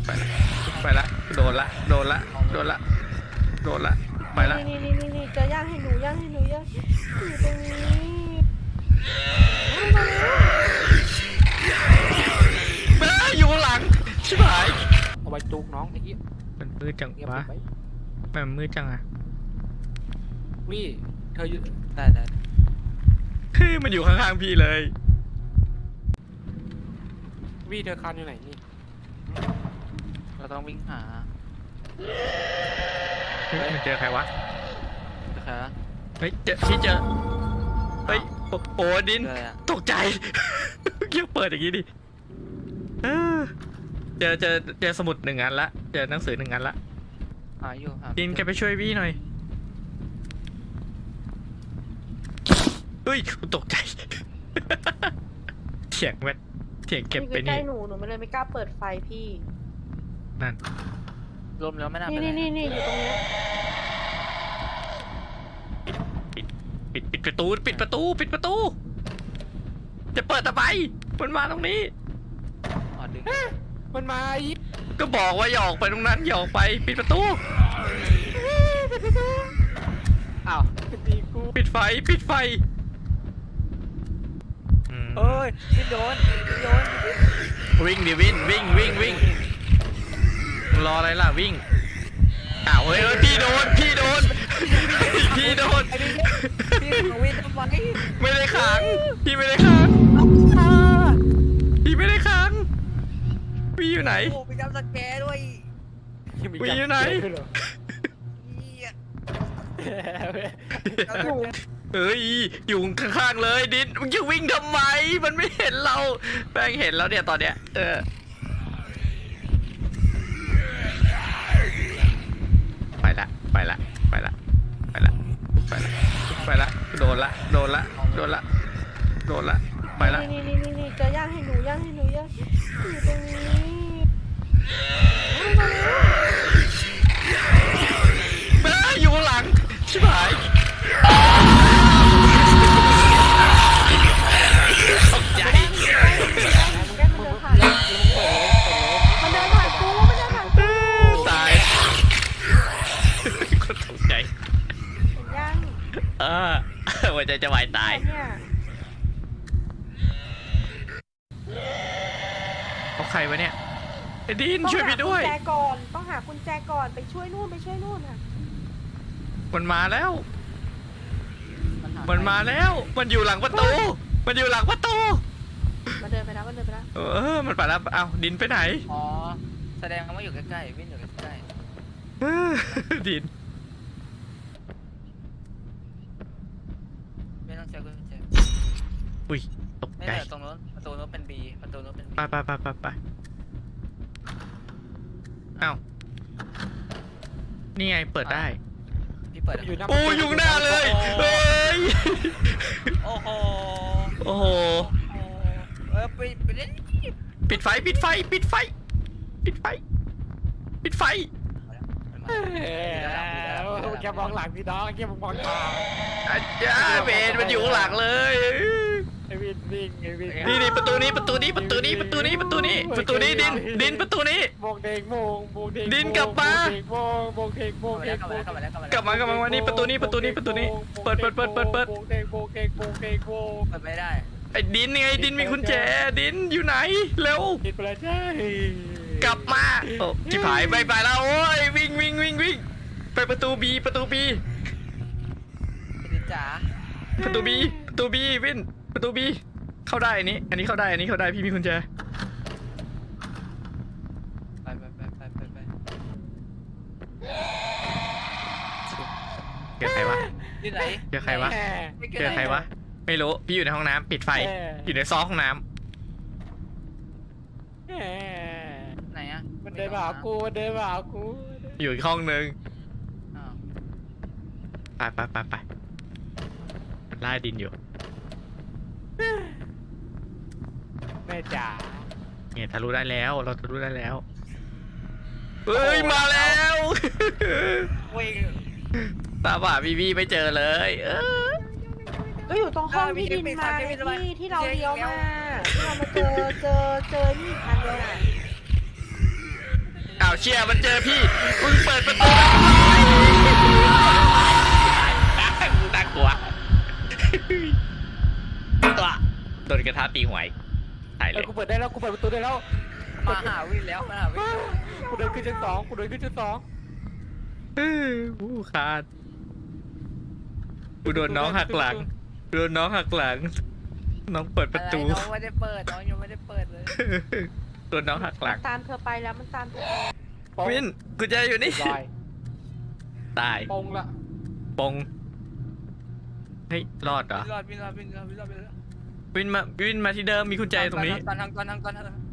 ไปละไปละโดนละโดนละโดนละโดนละไปละนี่จะย่างให้หนูย่างอยู่ตรงนี้อยู่ข้างหลังชิบหายเอาไปจุกน้องไอ้เหี้ยมันมืดจังเงียบวะไปมันมืดจังอะวี่เธออยู่ได้มันอยู่ข้างๆพี่เลยวี่เธอคันอยู่ไหนนี่เราต้องวิ่งหามันเจอใครวะใครวะเฮ้ยเจอพี่เจอเฮ้ยโอ้ดินเจออะไรอะตกใจเกี่ยวเปิดอย่างงี้ดิเจอสมุด1 อันละเจอหนังสือ1 อันละหาอยู่หาดินแกไปช่วยวี่หน่อยเฮ้ยตกใจเถียงเวทเถียงเก็บไปใกล้นี่หนูไม่เลยไม่กล้าเปิดไฟพี่นั่นลมแล้วไม่น่าเป็นไรนี่อยู่ตรงเนี้ยปิดประตูปิดประตูจะเปิดทำไมมันมาตรงนี้อ๋อดึงมันมาอีกก็บอกว่าอย่าออกไปตรงนั้นอย่าออกไปปิดประตูอ้าวตีกูปิดไฟเอ้ยพี่โดนวิ่งดิวิ่งรออะไรล่ะวิ่งอ้าวเฮ้ยพี่โดนพี่ของวินทำไมไม่ได้ขังพี่ไม่ได้ขังพี่อยู่ไหนโอ้ไปจำสแกร์ด้วยวีอยู่ไหน เฮ้ยอยู่ข้างๆเลยดินมึงจะวิ่งทำไมมันไม่เห็นเราแป้งเห็นแล้วเนี่ยตอนเนี้ยไปละโดนละไปละนี่จะย่างให้หนูย่างอยู่ตรงนี้อยู่ข้างหลังชิบหายตกใจแกมันเดินผ่านกูตายคนตกใจย่างหัวใจจะวายตายเนี่ยเขาใครวะเนี่ยไอ้ดินช่วยพี่ด้วยต้องหากุญแจก่อนไปช่วยนู่นค่ะมันมาแล้วมันอยู่หลังประตูมันเดินไปแล้วมันไปแล้วเอ้าดินไปไหนอ๋อแสดงว่าอยู่ใกล้ๆวินอยู่ใกล้ดินๆไม่ต้องเช็คกุญแจอุ้ยตกไม่ใจแต่ตรงนู้นประตูนู้นเป็น B ประตูนู้นเป็น B ไปเอ้านี่ไงเปิดได้พี่เปิดโอ้อยู่หน้าเลยเฮ้ยโอ้โหโอ้โหไปเล่นปิดไฟแกมองหลังพี่น้องแกมองทางอาจารย์เบนมันอยู่ข้างหลังเลยไอ้วินวิ่งไอ้วินนี่ประตูนี้ดินประตูนี้โบกเด้งดินกลับมาโบกเด้งกลับมานี่ประตูนี้เปิดไม่ได้ไอ้ดินไงดินมีกุญแจดินอยู่ไหนเร็วผิดไปแล้วใช่กลับมาโอ้ชิบหายไปแล้วโอ้ยวิ่งไปประตูบีพี่จ๋าวินประตูบีเข้าได้อันนี้เข้าได้พี่มีกุญแจไปเจอใครวะที่ไหนเจอใครวะไม่รู้พี่อยู่ในห้องน้ำปิดไฟอยู่ในซอกห้องน้ำไหนอะมันเดินมาหากูอยู่อีกห้องนึงอ้าวไปมันไล่ดินอยู่แม่จ๋าเนี่ยทะลุได้แล้วเราทะลุได้แล้วเฮ้ยมาแล้ววิ่งตาบ่าบีไม่เจอเลยก็อยู่ตรงห้องที่ดินมาที่เราเลี้ยวมาที่เรามาเจอนี่อันเดียวน่ะเชี่ยมันเจอพี่มึงเปิดประตูน่ากลัวตัวโดนกระทะตีหัวถ่ายเลยกูเปิดได้แล้วกูเปิดประตูได้แล้วมาหาวินแล้วมาหาวินกูเดินขึ้นชั้น 2กูเดินขึ้นชั้นอู้ขาดกูโดนน้องหักหลังโดนน้องหักหลังน้องเปิดประตูน้องไม่ได้เปิดน้องยังไม่ได้เปิดเลยโดนน้องหักหลังตามเธอไปแล้วมันตามเธอปงวินกูจะอยู่นี่ลอยตายปงละปงเฮ้ยรอดเหรอวินรอดวินรอดวินรอดวินรอดวินรอดวินมาที่เดิมมีกุญแจตรงนี้ก่อนทาง